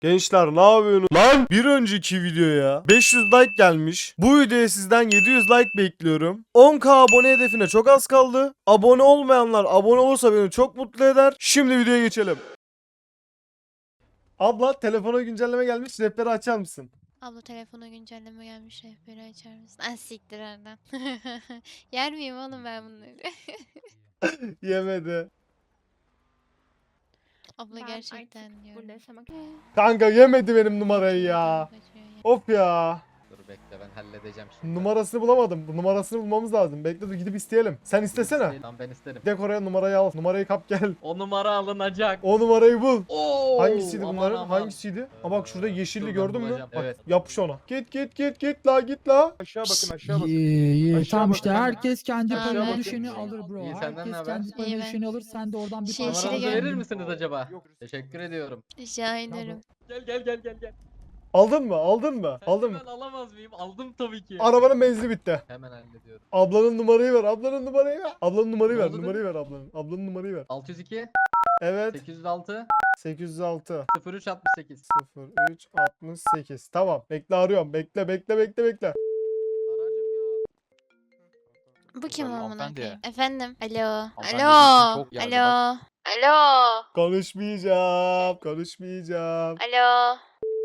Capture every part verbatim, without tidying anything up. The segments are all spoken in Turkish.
Gençler ne yapıyorsunuz? Lan bir önceki videoya beş yüz like gelmiş. Bu videoya sizden yedi yüz like bekliyorum. on bin abone hedefine çok az kaldı. Abone olmayanlar abone olursa beni çok mutlu eder. Şimdi videoya geçelim. Abla telefona güncelleme gelmiş. Rehberi açar mısın? Abla telefona güncelleme gelmiş, rehberi açar mısın? Ah siktir oradan. Yer miyim oğlum ben bunları? Yemedi. Abla Ben gerçekten artık diyorum. burada yaşamak Kanka yemedi benim numarayı ya. Kaçıyor ya. Of ya. Dur bekle ben halledeceğim şimdi. Numarasını bulamadım. Bu numarasını bulmamız lazım. Bekle dur gidip isteyelim. Sen istesene. Tamam ben isterim. Gidek oraya numarayı al. Numarayı kap gel. O numara alınacak. O numarayı bul. Oo, Hangisiydi aman bunların? aman. Hangisiydi? Ha bak şurada yeşilli Dur ben gördün mü? bulacağım, Bak evet. yapış ona. Git git git git la git la. Aşağı bakın aşağı bakın. İyi, iyi. Aşağı Tamam bakın. işte herkes kendi Aşağı payına bakın. düşeni alır bro. İyi, senden ne Herkes haber? kendi İyi payına ben. düşeni alır. Sen de oradan bir Şey, parça yeşile Numaranızı gel. verir misiniz acaba? Yok. Teşekkür ediyorum. Rica ederim. Gel gel gel gel gel. Aldın mı? Aldın mı? Sence Aldın mı? ben alamaz mıyım? Aldım tabii ki. Arabanın benzini bitti. Hemen hallediyorum. Ablanın numarayı ver. Ablanın numarayı ver. Ablanın numarayı Ne ver. oldu Numarayı ver ablanın. Ablanın numarayı ver. altı yüz iki Evet. sekiz yüz altı sekiz yüz altı sıfır üç altmış sekiz. sıfır üç altmış sekiz. Tamam. Bekle arıyorum. Bekle bekle bekle bekle. Aracım yok. Bu kim amına Hanımefendi. koyayım? Efendim? Alo. Hanımefendi, Alo. bizim çok yerde Alo. Alo. Konuşmayacağım. Konuşmayacağım. Alo.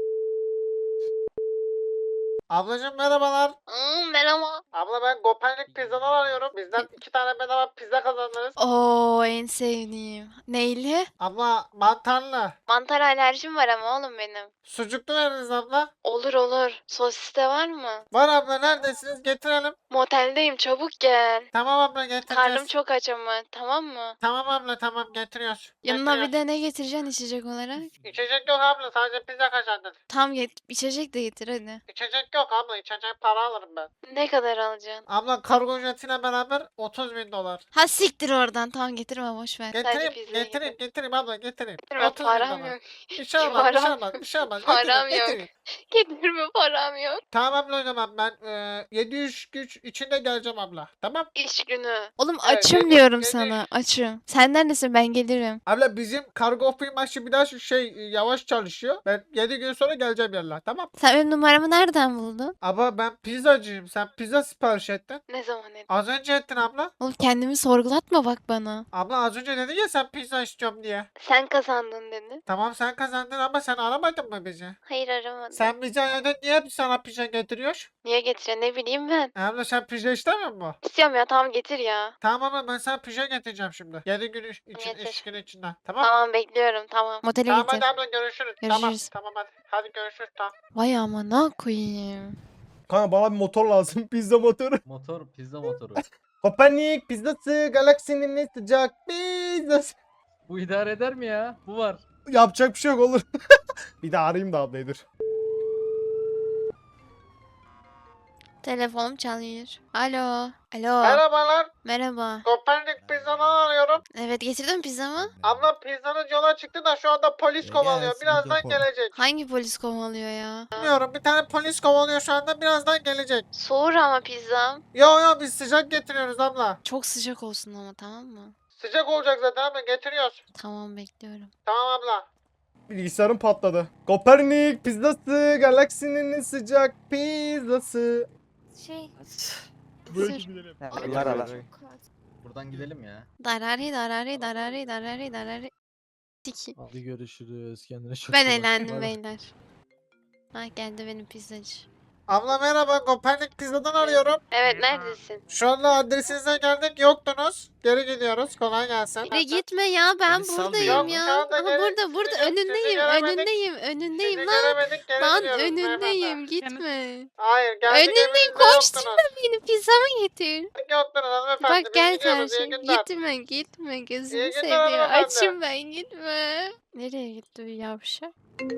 Ablacığım merhabalar. Hmm, merhaba. Abla ben Kopernik pizzadan arıyorum. Bizden iki tane bedava pizza kazandınız. Oo, en sevdiğim. Neyli? Abla mantarlı. Mantar alerjim var ama oğlum benim. Sucuklu veriniz abla. Olur olur. Sosis de var mı? Var abla neredesiniz? Getirelim. Moteldeyim, çabuk gel. Tamam abla getireceğiz. Karnım çok aç ama, tamam mı? Tamam abla tamam getiriyoruz. Yanına bir de ne getireceksin içecek olarak? İçecek yok abla sadece pizza kazandın. Tam get içecek de getir hadi. İçecek yok abla içecek para alırım ben. Ne kadar alacaksın? Abla kargo ücretiyle beraber otuz bin dolar. Ha siktir oradan, tamam getirme boş ver. Sadece Getireyim pizzayı getireyim getir. getireyim abla getireyim. Getirme, otuz bin param dolar. yok. Bir şey olmaz bir şey Param- olmaz bir şey olmaz. Param Getireyim, yok. getireyim. Getirme, param yok. Tamam abla o zaman ben e, yedi yüz güç içinde geleceğim abla. Tamam. İş günü. Oğlum Evet, açım getir, diyorum getir. sana, açım. Sen neredesin, ben gelirim. Abla bizim kargo firması biraz şey e, yavaş çalışıyor. Ben yedi gün sonra geleceğim yerler tamam. Sen benim numaramı nereden buldun? Abla ben pizzacıyım. Sen pizza sipariş ettin. Ne zaman ettin? Az önce ettin abla. Oğlum kendimi sorgulatma bak bana. Abla az önce dedin ya sen pizza istiyorum diye. Sen kazandın dedin. Tamam sen kazandın ama sen aramadın mı bizi? Hayır aramadım. Sen bize ayırdın niye biz sana pizza getiriyor? Niye getiriyorsun, ne bileyim ben. Abla sen pizza istemiyor musun? İstiyorum ya, tamam getir ya. Tamam ama ben sana pizza getireceğim şimdi. yedi gün iç- için, Getir. iş günü içinden. Tamam. Tamam bekliyorum, tamam. Motele Tamam getir. hadi abla görüşürüz. Tamam Görüşürüz. tamam hadi. Hadi görüşürüz tamam. Vay amına koyayım. Kanka bana bir motor lazım. Pizza motoru. Motor pizza motoru. Kopernik pizzası galaksinin en sıcak pizzası. Bu idare eder mi ya? Bu var. Yapacak bir şey yok olur. Bir daha arayayım da ablayı dur. Telefonum çalıyor. Alo. Alo. Merhabalar. Merhaba. Kopernik pizzadan arıyorum. Evet, getirdin mi pizzamı? Abla pizzanız yola çıktı da şu anda polis kovalıyor. Birazdan gelecek. Hangi polis kovalıyor ya? Bilmiyorum bir tane polis kovalıyor şu anda birazdan gelecek. Soğur ama pizzam. Yo yo biz sıcak getiriyoruz abla. Çok sıcak olsun ama, tamam mı? Sıcak olacak zaten abla getiriyoruz. Tamam bekliyorum. Tamam abla. Bilgisayarım patladı. Kopernik pizzası galaksinin en sıcak pizzası. Şey. Böyle Sır. gidelim. Bunlar ala. Buradan gidelim ya. Darari darari darari darari darari. Tiki. Hadi görüşürüz. Kendine çok Ben iyi bak. eğlendim Bay bay. beyler. Ha geldi benim pizzacı. Abla merhaba Kopernik pizzadan arıyorum. Evet, neredesin? Şu anda adresinize geldik yoktunuz. Geri gidiyoruz kolay gelsin. Yürü gitme ya, ben Beni sal buradayım diyor. ya. Şu anda Aha, geri- burada burada sizi- önündeyim sizi göremedik. önündeyim önündeyim Sizi lan. göremedik geri Lan gidiyoruz önündeyim, beyefendi. gitme. Hayır geldik Önündeyim, evinizde koşturma yoktunuz. beni, pizzamı getir. Yoktunuz hanımefendi. Bak biz gel gidiyoruz, iyi karşım, günler. gitme gitme, gözümü İyi günler seveyim. hanımefendi. Açım ben, gitme. Nereye gitti bu yavşak?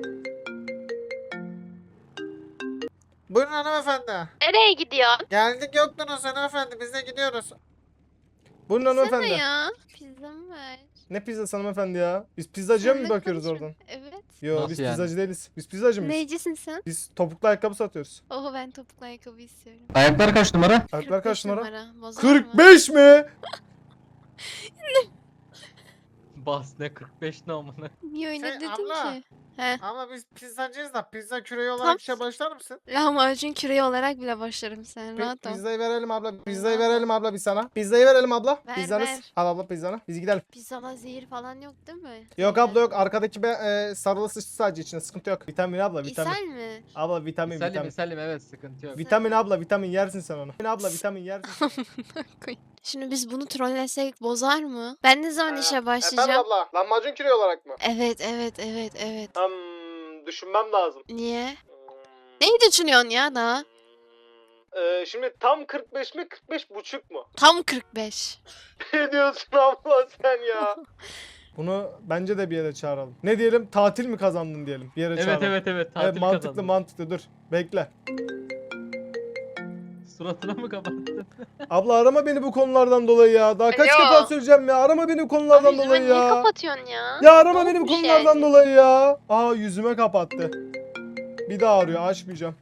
Buyurun hanımefendi. Nereye gidiyorsun? Geldik yoktunuz hanımefendi biz de gidiyoruz. Buyurun Sana hanımefendi. ya. Pizzamı ver. Ne pizzası hanımefendi ya? Biz pizzacıya mı Seninle bakıyoruz konuşma. oradan? Evet. Yo Nasıl biz yani? pizzacı değiliz. Biz pizzacı mıyız? Neycisin sen? Biz topuklu ayakkabı satıyoruz. Oho, ben topuklu ayakkabı istiyorum. Ayaklar kaç numara? Ayaklar kırk beş kaç numara? Bozar mı? kırk beş mi? Bas ne kırk beş ne amına. Niye öyle Şey, dedin abla. ki? He. Ama biz pizzacıyız da pizza küreği olarak Tam- işe başlar mısın? Lahmacun küreği olarak bile başlarım sen. Rahat ol. Pizzayı verelim abla. Pizzayı Rahat ol. verelim abla bir sana. Pizzayı verelim abla. Ver, Pizzanız. ver. Al abla pizzanı. Biz gidelim. Pizzada zehir falan yok değil mi? Yok abla yok. Arkadaki be, e, sarılı sıçtı sadece içine. Sıkıntı yok. Vitamin abla vitamin. İshal mi? Abla vitamin Misalim vitamin. misalim evet sıkıntı yok. Vitamin abla vitamin yersin sen onu. Vitamin abla vitamin yersin. Koy. Şimdi biz bunu trollesek bozar mı? Ben ne zaman işe Efendim başlayacağım? abla. Lahmacun küreği olarak mı? Evet evet evet evet. Hmm, düşünmem lazım. Niye? Neyi düşünüyorsun ya daha? Ee, şimdi tam kırk beş mi kırk beş buçuk mu? Tam kırk beş. Ne diyorsun abla sen ya? Bunu bence de bir yere çağıralım. Ne diyelim? Tatil mi kazandın diyelim. Bir yere Evet çağıralım. evet evet Evet, tatil mantıklı kazandım. mantıklı dur. Bekle. Suratına mı kapattın? Abla arama beni bu konulardan dolayı ya. Daha kaç Alo. defa söyleyeceğim ya. Arama beni bu konulardan dolayı ya. kapatıyorsun ya? Ya arama beni bu olmuş konulardan yani? dolayı ya. Aa yüzüme kapattı. Bir daha arıyor. Açmayacağım.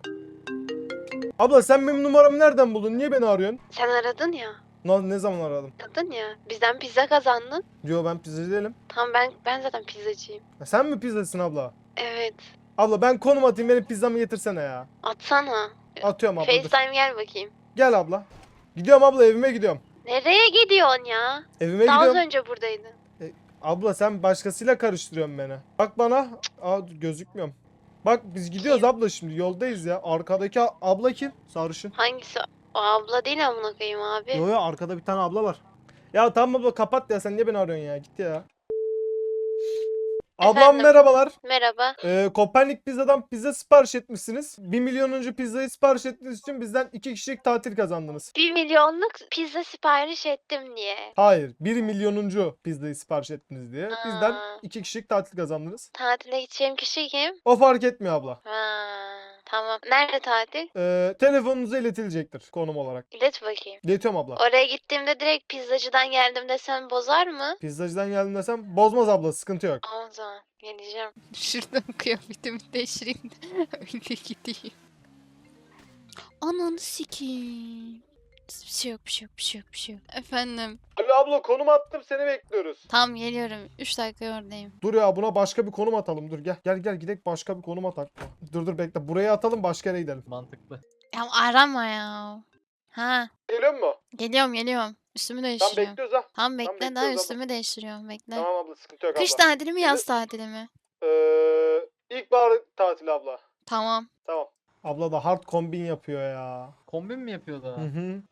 Abla sen benim numaramı nereden buldun? Niye beni arıyorsun? Sen aradın ya. Ne, ne zaman aradım? Aradın ya. Bizden pizza kazandın. Yo ben pizzacı değilim. Tamam ben ben zaten pizzacıyım. Ya sen mi pizzacısın abla? Evet. Abla ben konum atayım benim pizzamı getirsene ya. Atsana. Atıyorum abla dur. FaceTime gel bakayım. Gel abla. Gidiyorum abla evime gidiyorum. Nereye gidiyorsun ya? Evime Daha az gidiyorum. önce buradaydın. Abla sen başkasıyla karıştırıyorsun beni. Bak bana. Aa gözükmüyorum. Bak biz gidiyoruz abla şimdi yoldayız ya. Arkadaki a- abla kim? Sarışın. Hangisi? O abla değil amına koyayım abi. Yo yo arkada bir tane abla var. Ya tamam abla kapat ya sen niye beni arıyorsun ya git ya. Ablam Efendim? merhabalar. Merhaba. Ee, Kopernik Pizza'dan pizza sipariş etmişsiniz. bir milyonuncu pizzayı sipariş ettiğiniz için bizden iki kişilik tatil kazandınız. Bir milyonluk pizza sipariş ettim diye. Hayır, bir milyonuncu pizzayı sipariş ettiniz diye. Bizden Aa. iki kişilik tatil kazandınız. Tatile gideceğim kişi kim? O fark etmiyor abla. Ha, tamam. Nerede tatil? Ee, telefonunuza iletilecektir konum olarak. İlet bakayım. İletiyorum abla. Oraya gittiğimde direkt pizzacıdan geldim desem bozar mı? Pizzacıdan geldim desem bozmaz abla sıkıntı yok. O zaman geleceğim. Şuradan kıyafetimi değiştireyim de öyle gideyim. Ananı sikeyim. Bir şey yok, bir şey yok, bir şey yok, bir şey yok. Efendim. Alo abla konum attım seni bekliyoruz. Tam geliyorum. üç dakika oradayım. Dur ya buna başka bir konum atalım dur gel. Gel gel gidelim başka bir konum atak. Dur dur bekle buraya atalım başka yere gidelim. Mantıklı. Ya arama ya. Ha, Geliyor mu? geliyorum, geliyorum. Üstümü Tam değiştiriyorum. bekliyoruz ha. Tam bekle bekliyoruz daha abla. üstümü değiştiriyorum. Bekle. Tamam abla sıkıntı yok Kış abla. tatili mi, yaz tatili mi? Ee, ilkbahar tatili abla. Tamam. Tamam. Abla da hard kombin yapıyor ya. Kombin mi yapıyor daha? Hı hı.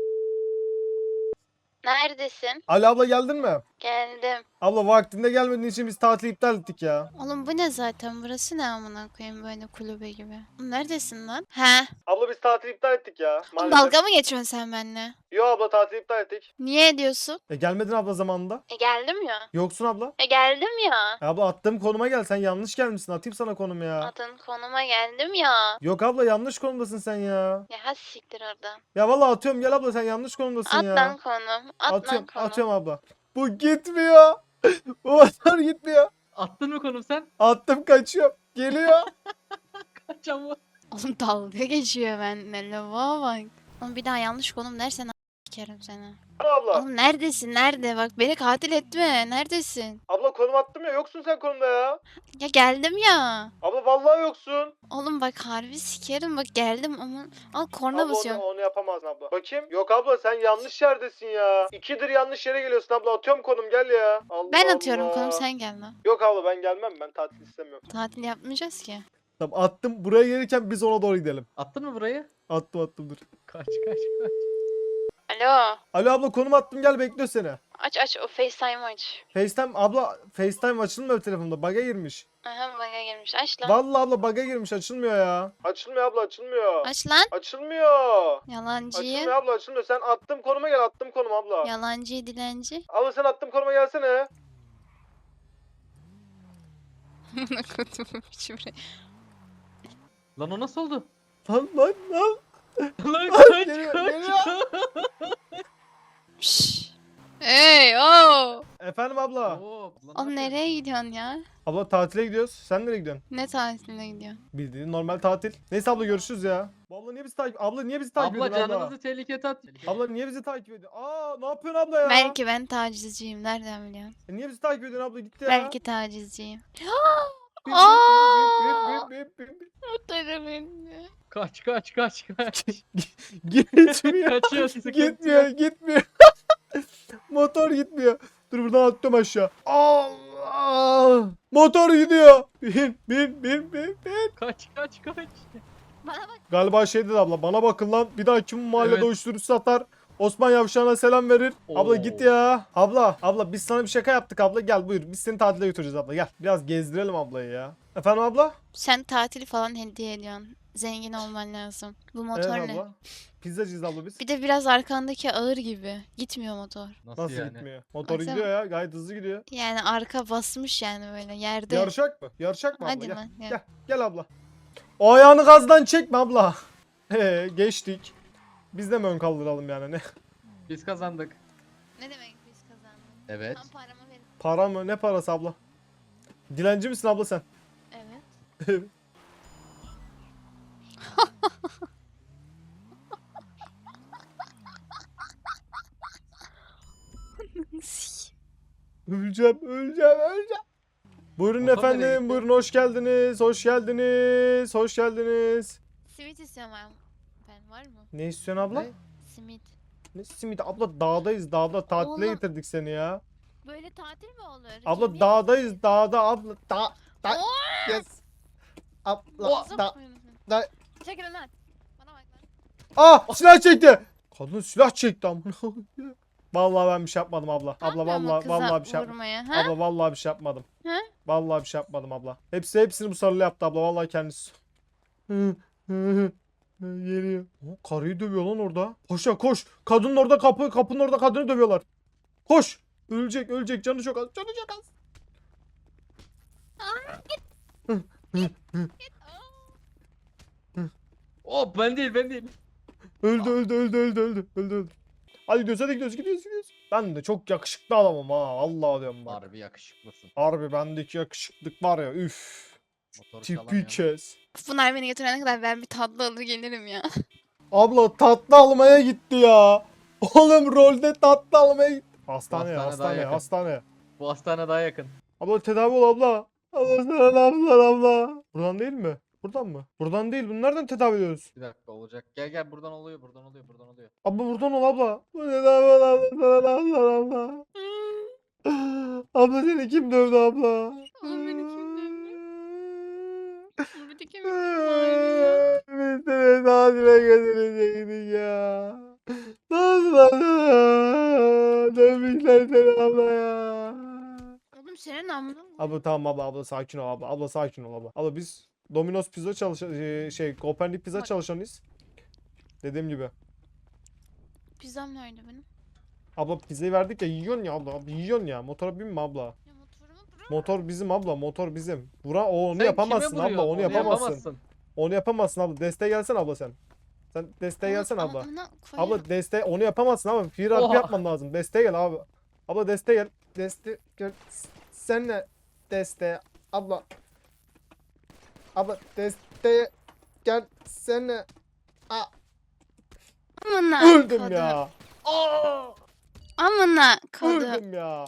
Neredesin? Ali abla geldin mi? Geldim. Abla vaktinde gelmediğin için biz tatili iptal ettik ya. Oğlum bu ne zaten? Burası ne amına koyayım böyle kulübe gibi. Oğlum neredesin lan? He. Abla biz tatili iptal ettik ya. Oğlum dalga mı geçiyorsun sen benimle? Yo abla tatili iptal ettik. Niye ediyorsun? E gelmedin abla zamanında. E geldim ya. Yoksun abla. E geldim ya. E abla attığım konuma gel sen yanlış gelmişsin atayım sana konumu ya. Adın konuma geldim ya. Yok abla yanlış konumdasın sen ya. Ya hadi siktir oradan. Ya vallahi atıyorum gel abla sen yanlış konumdasın At ya. lan konum. At lan atıyorum konum. atıyorum abla. Bu gitmiyor. Bu motor gitmiyor. Attın mı konum sen? Attım kaçıyorum. Geliyor. Kaç ama. Oğlum dalga geçiyor benimle. Lava bak. Oğlum bir daha yanlış konum dersen a- sikerim seni. abla. Oğlum neredesin? Nerede? Bak beni katil etme. Neredesin? Abla konum attım ya yoksun sen konumda ya. Ya geldim ya. Abla vallahi yoksun. Oğlum bak harbi sikerim. Bak geldim ama al korna Abla onu, basıyorum. onu yapamazsın abla. Bakayım. Yok abla sen yanlış yerdesin ya. İkidir yanlış yere geliyorsun abla. Atıyorum konum gel ya. Allah Ben atıyorum Allah. konum sen gel lan. Yok abla ben gelmem. Ben tatil istemiyorum. Tatil yapmayacağız ki. Tamam attım. Buraya gelirken biz ona doğru gidelim. Attın mı burayı? Attım attım dur. Kaç kaç kaç. Alo. Alo abla konum attım gel bekliyor seni. Aç aç o FaceTime aç. FaceTime abla FaceTime açılmıyor telefonda. Bug'a girmiş. Aha bana gelmiş. Aç lan. Vallahi abla bug'a girmiş açılmıyor ya. Açılmıyor abla açılmıyor. Aç lan. Açılmıyor. Yalancıyı. Açılmıyor abla açılmıyor. Sen attım konuma gel attım konum abla. Yalancıyı dilenci. Abla sen attım konuma gelsene. Kutumu şuraya. Lan o nasıl oldu? Lan lan lan. Lan kaç Geliyor, kaç. geliyor. Şşş. Hey o. Efendim abla. Oo, lan ne Oğlum yapıyorsun? nereye gidiyorsun ya? Abla tatile gidiyoruz. Sen nereye gidiyorsun? Ne tatiline gidiyorsun? Bildiğin normal tatil. Neyse abla görüşürüz ya. Bu abla niye bizi takip Abla niye bizi takip Abla ediyorsun abla? canınızı tehlikeye at. Abla niye bizi takip ediyorsun? Aa ne yapıyorsun abla ya? Belki ben tacizciyim. Nereden biliyorsun? E, niye bizi takip ediyorsun abla gitti ya. Belki tacizciyim. bin, Aa! bin, bin, bin, bin, bin. Motoru bindi. Kaç kaç kaç kaç. Gitmiyor. Kaçıyor sıkıntı. Gitmiyor, gitmiyor. Motor gitmiyor. Dur buradan atlıyorum aşağı. Allah! Motor gidiyor. Bin, bin, bin, bin, bin. Kaç kaç kaç. Bana bak. Galiba şey dedi abla. Bana bakın lan. Bir daha kim bu mahallede Evet. uyuşturucu satar? Osman Yavşan'a selam verir. Abla Oo. git ya. Abla, abla biz sana bir şaka yaptık abla. Gel buyur. Biz seni tatile götüreceğiz abla. Gel. Biraz gezdirelim ablayı ya. Efendim abla? Sen tatili falan hediye ediyorsun. Zengin olman lazım. Bu motor Evet ne? abla. Pizzacıyız abla biz. Bir de biraz arkandaki ağır gibi. Gitmiyor motor. Nasıl, Nasıl yani? gitmiyor? Motor Baksana. gidiyor ya. Gayet hızlı gidiyor. Yani arka basmış yani böyle yerde. Yarışak mı? Yarışak mı abla? Hadi Gel. lan. Gel. Gel abla. O ayağını gazdan çekme abla. He geçtik. Biz de mi ön kaldıralım yani ne? Biz kazandık. Ne demek biz kazandık? Evet. Tam paramı verin. Para mı? Ne parası abla? Dilenci misin abla sen? Evet. Öleceğim, öleceğim, öleceğim. Buyurun Motor nereye efendim, gitti? buyurun hoş geldiniz, hoş geldiniz, hoş geldiniz. Simit istiyorum ben. Ben var mı? Ne istiyorsun abla? Ne? Simit. Ne simidi? Abla dağdayız, dağda tatile Oğlum. getirdik seni ya. Böyle tatil mi olur? Abla Yemin dağdayız, dağda abla. Da, da, Oo! yes. Abla, Ağzım da, koyun. da. Çekil lan. Bana bak lan. Ah silah çekti. Kadın silah çekti amına. Vallahi ben bir şey yapmadım abla. Ne Abla yapıyorsun bu vallahi kıza vallahi bir şey yapmadım. vurmaya, ha? Abla vallahi bir şey yapmadım. Ha? Vallahi bir şey yapmadım abla. Hepsi hepsini bu sarılı yaptı abla. Vallahi kendisi. Geliyor. O karıyı dövüyor lan orada. Koş ya koş. Kadının orada kapı kapının orada kadını dövüyorlar. Koş. Ölecek ölecek canı çok az. Canı çok az. Oh ben değil ben değil. Öldü öldü öldü öldü öldü öldü öldü. Hadi gidiyoruz hadi gidiyoruz gidiyoruz gidiyoruz. Ben de çok yakışıklı adamım ha. Allah diyorum bak. Harbi yakışıklısın. Harbi bendeki yakışıklık var ya üf. Motoru Tipi çalamıyorum. kes. Bunlar beni götürene kadar ben bir tatlı alır gelirim ya. Abla tatlı almaya gitti ya. Oğlum rolde tatlı almaya gitti. Hastane Hastane daha hastane yakın. hastane. Bu hastane daha yakın. Abla tedavi ol abla. Abla sana abla abla. Buradan değil mi? Buradan mı? Buradan değil. Bunu nereden tedavi ediyoruz? Bir dakika olacak. Gel gel buradan oluyor buradan oluyor buradan oluyor. Abla buradan ol abla. Bu tedavi ol abla sana abla abla. Abla seni kim dövdü abla? Oğlum beni kim dövdü? Bir de kim Biz seni tatile götürecektik ya. Nasıl lan? Dövmüşler seni abla ya. Oğlum senin amına mı? Abla tamam abla abla sakin ol abla. Abla sakin ol abla. Abla biz Domino's pizza çalışan e, şey Kopernik pizza Bak. çalışanıyız. Dediğim gibi. Pizzam nerede benim? Abla pizzayı verdik ya yiyorsun ya abla. Abi yiyorsun ya. Motora binme abla. Ya motorumu bırak. Motor bizim abla. Motor bizim. Bura o onu Sen yapamazsın kime abla. vuruyorsun? Onu yapamazsın. Onu yapamazsın abla. Desteğe gelsene abla sen. Sen desteğe gelsene abla. Amına koyarım. Abla desteğe onu yapamazsın ama free rap Oha. yapman lazım. Desteğe gel abi. Abla desteğe gel. Deste gel. Senle desteğe abla. Abla desteğe gel senle. Aa, Amına öldüm kodum. ya. Amına kodum. Öldüm ya.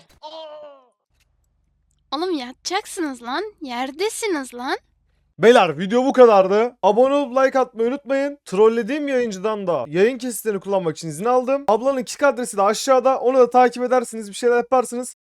Oğlum yatacaksınız lan. Yerdesiniz lan. Beyler video bu kadardı. Abone olup like atmayı unutmayın. Trollediğim yayıncıdan da yayın kesitlerini kullanmak için izin aldım. Ablanın kick adresi de aşağıda. Onu da takip edersiniz. Bir şeyler yaparsınız.